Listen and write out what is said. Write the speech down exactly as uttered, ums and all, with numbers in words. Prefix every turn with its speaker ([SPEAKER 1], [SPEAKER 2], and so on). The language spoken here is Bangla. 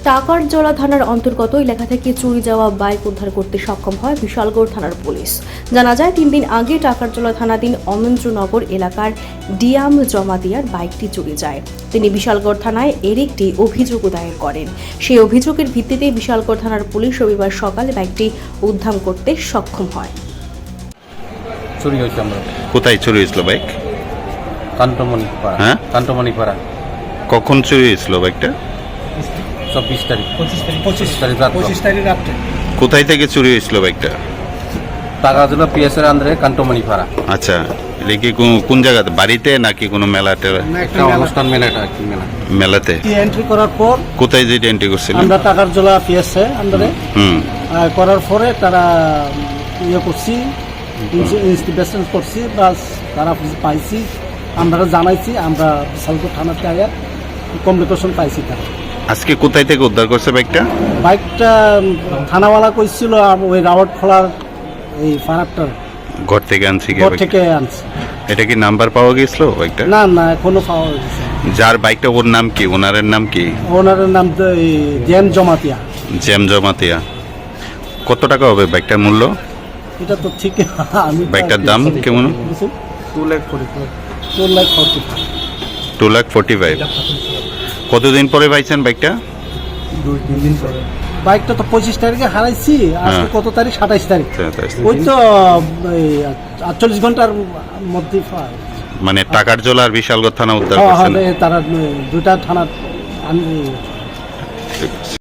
[SPEAKER 1] টাকারজলা থানার অন্তর্গত এলাকা থেকে চুরি যাওয়া বাইক উদ্ধার করতে সক্ষম হয় বিশালগড় থানার পুলিশ। জানা যায়, তিন দিন আগে টাকারজলা থানাধীন অমেন্দ্রনগর এলাকার ডিয়াম জমাতিয়ার বাইকটি চুরি যায়। তিনি বিশালগড় থানায় এর একটি অভিযোগ দায়ের করেন। সেই অভিযোগের ভিত্তিতে বিশালগড় থানার পুলিশ রবিবার সকালে বাইকটি উদ্ধার করতে সক্ষম হয়।
[SPEAKER 2] চুরি হয়েছে আমরা।
[SPEAKER 3] কোথায় চুরি হয়েছিল বাইক?
[SPEAKER 2] কান্তমণি পাড়া।
[SPEAKER 3] হ্যাঁ,
[SPEAKER 2] কান্তমণি পাড়া।
[SPEAKER 3] কখন চুরি হয়েছিল বাইকটা?
[SPEAKER 2] চব্বিশ তারিখ
[SPEAKER 4] পঁচিশ তারিখ
[SPEAKER 2] পঁচিশ তারিখ রাত
[SPEAKER 4] পঁচিশ তারিখ রাত্রে
[SPEAKER 3] কোথায় থেকে চুরি হয়েছিল বাইকটা?
[SPEAKER 2] টাকা দিল পিএসের আন্দারে কান্তমণি পাড়া।
[SPEAKER 3] আচ্ছা, এটা কি কোন- কোন জায়গাতে, বাড়িতে নাকি কোনো মেলা টেলা?
[SPEAKER 2] একটা অনুষ্ঠান মেলাটা কি মেলা
[SPEAKER 3] মেলাতে।
[SPEAKER 4] এন্ট্রি করার পর
[SPEAKER 3] কোথায় যেটা এন্ট্রি করছিলেন?
[SPEAKER 4] আমরা টাকার জলা পিএসে আন্ডারে
[SPEAKER 3] হুম
[SPEAKER 4] করার পরে তারা ইয়ে করছি, ইনভেস্টিগেশন করছি, বাস তারা পাইছি, আমরা জানাইছি, আমরা বিশালগড় থানাতে আয়ার কমিউনিকেশন পাইছি। তারা
[SPEAKER 3] আজকে কোথায় থেকে উদ্ধার করছে বাইকটা?
[SPEAKER 4] বাইকটা থানাওয়ালা কইছিল আম- ওই রাওয়াট খোলার এই ফারাকটার
[SPEAKER 3] ঘর থেকে আনছি কি
[SPEAKER 4] ঘর
[SPEAKER 3] বাইকটা?
[SPEAKER 4] থেকে আনছি।
[SPEAKER 3] এটা কি নাম্বার পাওয়া গেছিল বাইকটা?
[SPEAKER 4] না না এখনো পাওয়া গেছে।
[SPEAKER 3] যার বাইকটা, ওর নাম কি, ওনারের নাম কি?
[SPEAKER 4] ওনারের নাম তো এই জেন জমাতিয়া।
[SPEAKER 3] জ্যাম জমাতিয়া। কত টাকা হবে বাইকটার মূল্য?
[SPEAKER 4] এটা তো ঠিক আমি
[SPEAKER 3] বাইকটার দাম কেমন?
[SPEAKER 4] Two lakh forty two lakh forty
[SPEAKER 3] two lakh forty five. কতদিন পরে পাইছেন বাইকটা?
[SPEAKER 4] দুই তিন দিন পরে। বাইকটা তো পঁচিশ তারিখে হারাইছি, আজকে
[SPEAKER 3] হ্যাঁ।
[SPEAKER 4] কত তারিখ? সাতাইশ তারিখ। ওই তো এই আটচল্লিশ ঘন্টার মধ্যে পাই।
[SPEAKER 3] মানে টাকারজলা আর বিশালগড় থানা উদ্ধার
[SPEAKER 4] হ্যাঁ,
[SPEAKER 3] করছেন?
[SPEAKER 4] হ্যাঁ, তারা দুইটা থানা আন-